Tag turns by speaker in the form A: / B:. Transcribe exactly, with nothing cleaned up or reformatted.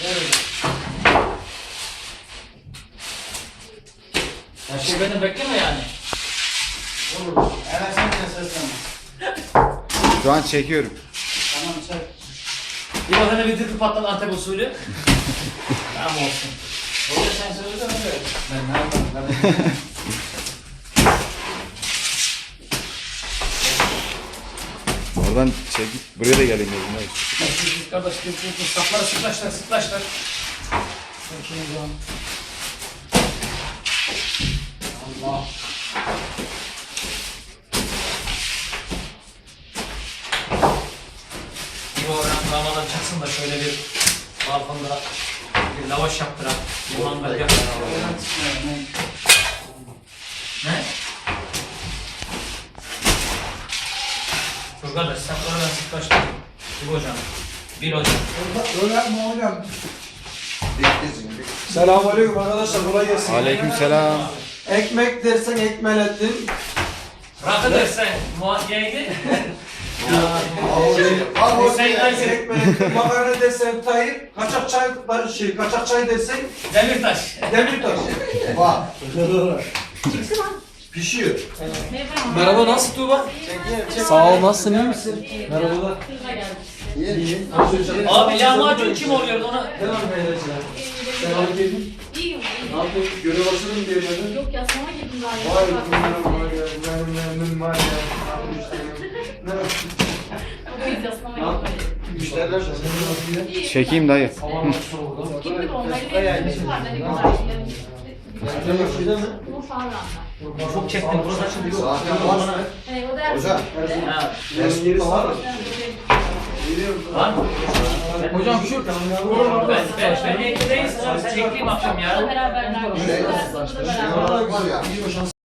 A: Ya şey beni bekleme yani.
B: Olur. Evet sen de seslenme.
C: Şu an çekiyorum.
B: Tamam çek.
A: Bir bakana bir tıkı patladı Antep usulü. Tamam olsun.
B: Orada sen söyle de öyle.
A: Ben ne yapayım?
C: Oradan çekip buraya da gelin dedim.
A: Siz kardeş bir tıkı sapları sıklaşlar sıklaşlar. Bakayım o zaman. Allah. Bir oradan Ramazan çıksın da şöyle bir balkonda bir lavaş yaptırak. Bir mangal yaptırak. Ne? Dur kardeş sen oradan sıklaştır. Bir hocam. Bir hocam.
B: Öyle yapma hocam.
D: Selamünaleyküm arkadaşlar, kolay gelsin.
C: Aleykümselam.
D: Ekmek dersen ekmelettin.
A: Rakı dersen muhakkiyeydi.
D: Abi
A: Sen
D: dersen ekmelettin. Makarna dersen tayyip. Kaçak çay, şey, kaçak çay dersen
A: Demirtaş.
D: demirtaş.
B: Bak.
D: Pişiyor.
E: Merhaba, nasıl Tuğba? Sağ ol, nasılsın, iyi misin?
D: Merhabalar.
B: İyi.
A: Abi lahmacun kim oluyordu ona?
D: Devam edelim. Selam aleyküm.
F: İyiyim, iyiyim.
D: Ne yapıyorsun? Görev başladın diye dedi.
F: Yok ya sana girdim daha.
D: Vay bunlar var ya, benim memnun var ya. Ne yapmışlar? Ne yapmışlar?
F: Biz yaslama
D: Ne yaptın?
F: gitmedik.
D: Müşteriler nasıl? Nasıl diye?
C: Çekeyim dayı.
D: Havalar soğudu.
F: Gittik onları bir var dedi güzel.
D: Müşteriler şeyde mi?
F: Bu Farran'da.
A: Çok çektim burası açıldı.
B: Zaten var mı?
F: Hey, o da
B: Hocam.
A: Ha,
D: Yarın gerisi var mı?
A: var mı?
E: Hocam şu
A: Ben, ben, ben ekmeğiz. Sen ekleyeyim akşam ya.
F: Beraber
B: Şey,
F: beraber.
B: şey var ya.